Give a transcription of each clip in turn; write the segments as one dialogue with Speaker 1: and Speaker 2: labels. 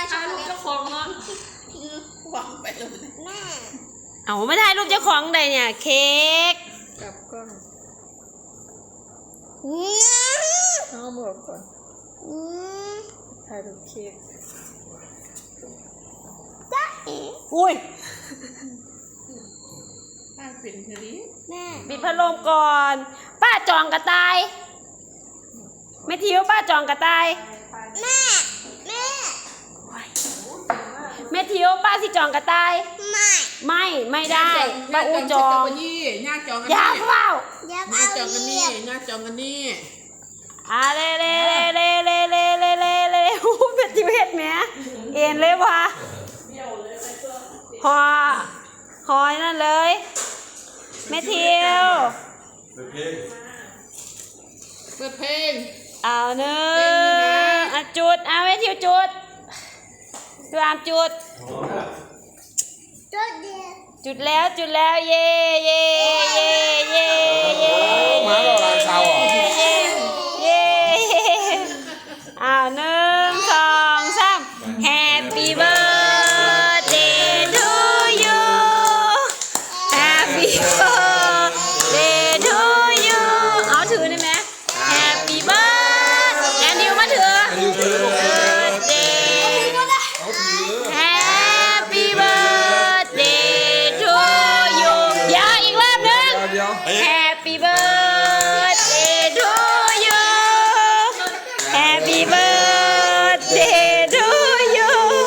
Speaker 1: ถ่ายรูปเจ้าของเนาะ
Speaker 2: วางไปเลยแม่
Speaker 3: เอาไม่ได้รูปเจ้าของใดเนี่ยเค้ก
Speaker 1: กลับกล้อง
Speaker 2: เนี่ย
Speaker 1: เอาบอกก่อนถ่ายรูปเค้ก
Speaker 2: จ๊ะเอ๋
Speaker 3: อุ้ย
Speaker 2: ป้าเป็นเธอดิแม่
Speaker 3: ปิดพัดลมก่อน ป้าจองกระต่ายไม่ทิวป้าจองกระต่าย
Speaker 2: แม่แม่
Speaker 3: แม่ทิวป้าสิจองกระต่าย ไม่ได้ป้าอูจอง
Speaker 2: ย่าจองกัน
Speaker 3: อย่า
Speaker 2: นี่
Speaker 3: เฝ้า
Speaker 2: ย่าจองกันนี่ย่าจองกันนี่
Speaker 3: เล่เเป็นทิวเฮ็ดแหมเอ็นเลยวะหอยนั่นเลยแม่ทิว
Speaker 2: เปิดเพลง
Speaker 3: เอาเนื้อจุดเอาแม่ทิวจุดตัวอามจุด
Speaker 2: จุดเดียว
Speaker 3: จุดแล้วเย่เย่เย่เย่เย่
Speaker 4: มาเราลายเสาเหรอ
Speaker 3: เย่เอา1 2 3 Happy birthday to you Happy birthday to you เอาถือได้ไหม Happy birthday แอนดิวมาถือ birthday
Speaker 4: เอาถือ
Speaker 3: Happy birthday to you อย่าอีกรอบหนึง
Speaker 4: เดี๋ยว
Speaker 3: Happy birthday to you Happy birthday to you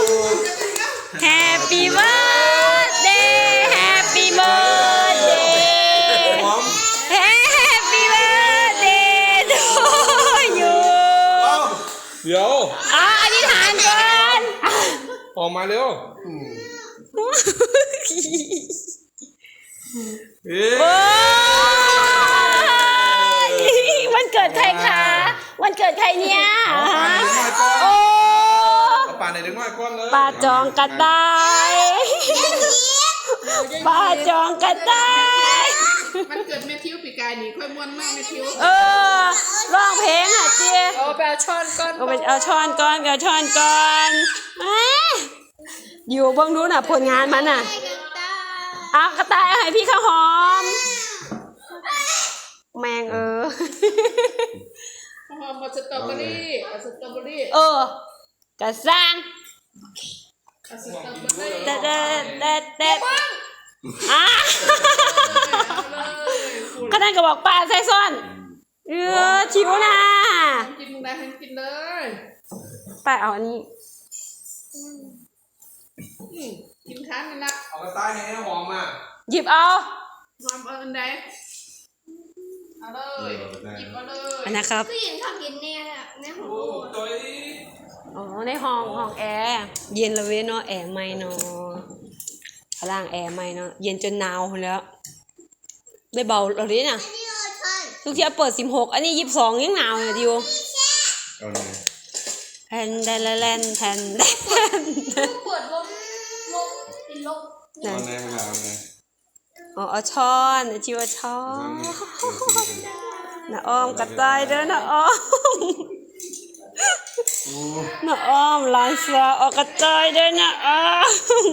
Speaker 3: Happy birthday Happy birthday
Speaker 4: พร้อม
Speaker 3: Happy birthday to you
Speaker 4: เดี๋ยว
Speaker 3: อธิษฐานก่อน
Speaker 4: ออกมาเร็วเอ๊ะ
Speaker 3: โอ้ยวันเกิดใครคะวันเกิดใครเนี่ยโอ้
Speaker 4: เอาป่าไหนเด็กน้อยก้อนเลย
Speaker 3: ป้าจองกระต่ายป้าจองกระต่าย
Speaker 2: มันเกิดแม่ทิวปีกายนี่ค่อยม้วนมากแม่ทิว
Speaker 3: ร้องเพลงอ่ะเจี๊ย
Speaker 1: เอาไปเอาช้อนก้อน
Speaker 3: เอาช้อนก่อนอยู่เบิ่งดูน่ะผลงานมันน่ะเอากระต่ายเอาให้พี่ข้าวหอม แมง
Speaker 2: หอมสตรอเบอรี่เอาสตรอเบอรี่
Speaker 3: กระซัง
Speaker 2: เอาสตรอเบอรี่
Speaker 3: เด็ดก็นั่นก็บอกป้าใส่ซ่อนชิวนะ
Speaker 2: กินได้ทั้งกินเลย
Speaker 3: ป้าเอาอันนี้
Speaker 2: กินค้างกันละ
Speaker 4: เอากระต่ายให้หอมอ่ะ
Speaker 3: หยิบเอา
Speaker 2: หอมเอาอันใดเอาเลยหยิบเอาเลย
Speaker 3: อันนะครับ
Speaker 2: ผู้หญิงชอบกินเนี่ยในหัว
Speaker 4: โอ้ตัว
Speaker 3: ในห้องแอร์เย็นละเว้ยเนาะแอร์ไม่เนาะพลังแอร์ไม่เนาะเย็นจนหนาวแล้วได้เบาเราดิน่ะทุกทีเปิด16อันนี้22ยังหนาวอยู่ดิว
Speaker 4: เอาเลย
Speaker 3: แทนแทนแทน
Speaker 2: ปวดลมติดลม
Speaker 4: เอาไหนมาเอาไหน
Speaker 3: เอาช้อนชิวช้อนน้าอ้อมกระต่ายเด้อน้าอ้อมน้าอ้อมหลานสาวออกกระต่ายเด้อน้าอ้อม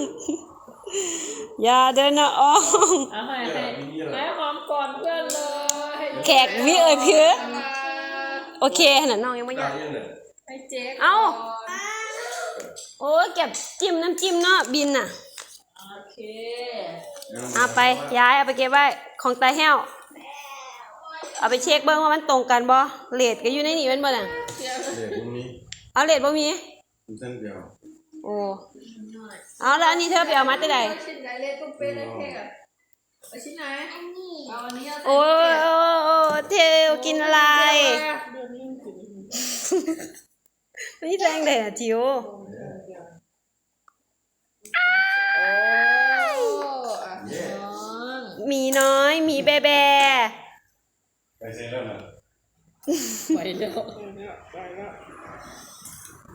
Speaker 3: อย่าเด้อน้าอ้อม
Speaker 1: เอาให้หอมก่อนเพื่อนเลย
Speaker 3: แขกวิเอ้ยเพื่อโอเคขนาดน้องยังไม่อยาก
Speaker 1: ให้เจ๊ก
Speaker 3: เอ้าโอ้ยเก็บจิ้มน้ำจิ้มเนาะบินน่ะ
Speaker 1: โอเค
Speaker 3: เอาไปย้ายเอาไปเก็บไว้ของตาแห้วเอาไปเช็คเบิ้งว่ามันตรงกันบ่เรทก็อยู่ในนี้เป็นบ่น่ะ
Speaker 4: เดี๋ยวพรุ่งนี้
Speaker 3: เอาเรทบ่มี
Speaker 4: เส้นเดียว
Speaker 3: โอ้เอาแล้วอันนี้เธอไปเอามาแต่ใด
Speaker 1: ชิ้นไหนเล็กต้องเป็นเลยแค่เอาชิ้นไหนเอาอันนี้
Speaker 3: โอ้เทวกินอะไรนี่แรงเลยอ่ะจิ๋วมีน้อยมีแบแบ
Speaker 4: ไปเซ็นแล้วนะ
Speaker 1: ไปแล้ว